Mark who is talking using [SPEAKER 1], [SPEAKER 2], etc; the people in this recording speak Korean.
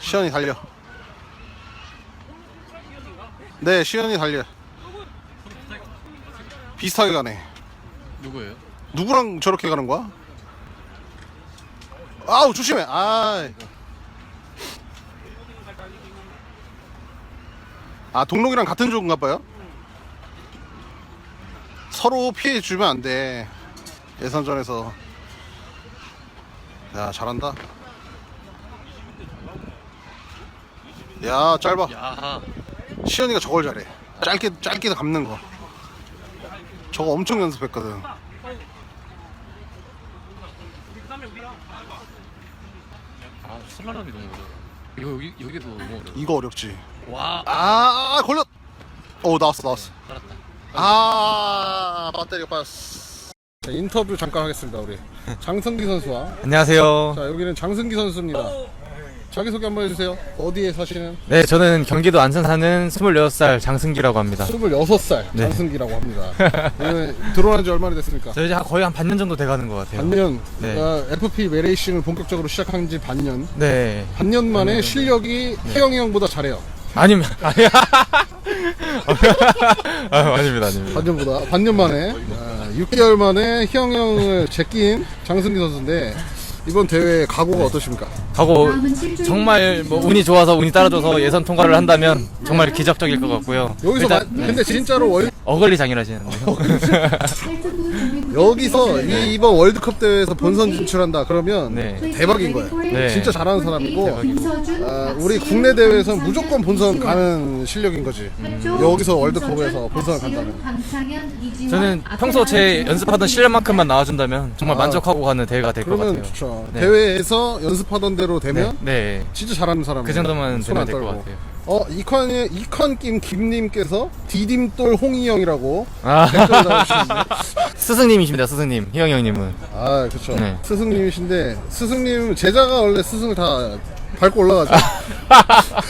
[SPEAKER 1] 시연이 달려. 네, 시연이 달려. 비슷하게 가네.
[SPEAKER 2] 누구예요?
[SPEAKER 1] 누구랑 저렇게 가는 거야? 아우, 조심해. 동록이랑 같은 조인가 봐요? 서로 피해 주면 안 돼. 예선전에서. 야, 잘한다. 야, 짧아.
[SPEAKER 2] 야,
[SPEAKER 1] 시연이가 저걸 잘해. 짧게 감는 거. 저거 엄청 연습했거든.
[SPEAKER 2] 슬라람이 너무 어려워. 여기도 너무 어려워.
[SPEAKER 1] 이거 어렵지.
[SPEAKER 2] 와,
[SPEAKER 1] 걸렸. 나왔어.
[SPEAKER 2] 살았다.
[SPEAKER 1] 배터리가 빠졌어. 자, 인터뷰 잠깐 하겠습니다. 우리 장승기 선수와.
[SPEAKER 3] 안녕하세요.
[SPEAKER 1] 자, 여기는 장승기 선수입니다. 자기소개 한번 해주세요. 어디에 사시는?
[SPEAKER 3] 네, 저는 경기도 안산 사는 26살 장승기라고 합니다.
[SPEAKER 1] 26살
[SPEAKER 3] 네.
[SPEAKER 1] 장승기라고 합니다. 들어온 지 얼마나 됐습니까?
[SPEAKER 3] 저 이제 거의 한 반년 정도 돼가는 것 같아요.
[SPEAKER 1] 반년.
[SPEAKER 3] 네.
[SPEAKER 1] FP 매레이싱을 본격적으로 시작한 지 반년.
[SPEAKER 3] 네.
[SPEAKER 1] 반년 만에 실력이 태영이 형보다 잘해요.
[SPEAKER 3] 아니면, 아니야. 아닙니다.
[SPEAKER 1] 반년 만에 6개월 만에 희영 형을 제낀 장승기 선수인데 이번 대회 각오가 어떠십니까?
[SPEAKER 3] 하고 정말 뭐 운이 좋아서 운이 따라줘서 예선 통과를 한다면 정말 기적적일 것 같고요.
[SPEAKER 1] 여기서
[SPEAKER 3] 일단,
[SPEAKER 1] 근데 진짜로
[SPEAKER 3] 어글리장이라시는데요.
[SPEAKER 1] 여기서 이번 월드컵 대회에서 본선 진출한다 그러면
[SPEAKER 3] 네.
[SPEAKER 1] 대박인 거예요.
[SPEAKER 3] 네.
[SPEAKER 1] 진짜 잘하는 사람이고
[SPEAKER 3] 대박이고.
[SPEAKER 1] 우리 국내 대회에서 무조건 본선 가는 실력인 거지. 여기서 월드컵에서 본선을 간다면.
[SPEAKER 3] 저는 평소 제 연습하던 실력만큼만 나와준다면 정말 만족하고 가는 대회가 될 것
[SPEAKER 1] 그러면
[SPEAKER 3] 같아요.
[SPEAKER 1] 좋죠.
[SPEAKER 3] 네.
[SPEAKER 1] 대회에서 연습하던 대로 되면
[SPEAKER 3] 네.
[SPEAKER 1] 진짜 잘하는 사람.
[SPEAKER 3] 그 정도만 되면 될 것 같아요.
[SPEAKER 1] 이컨김 김님께서 디딤돌 홍희영이라고
[SPEAKER 3] 아.
[SPEAKER 1] 댓글 달아주시는데.
[SPEAKER 3] 스승님이십니다, 스승님. 희영이 형님은.
[SPEAKER 1] 그렇죠.
[SPEAKER 3] 네.
[SPEAKER 1] 스승님이신데 스승님 제자가 원래 스승을 다 밟고 올라가죠.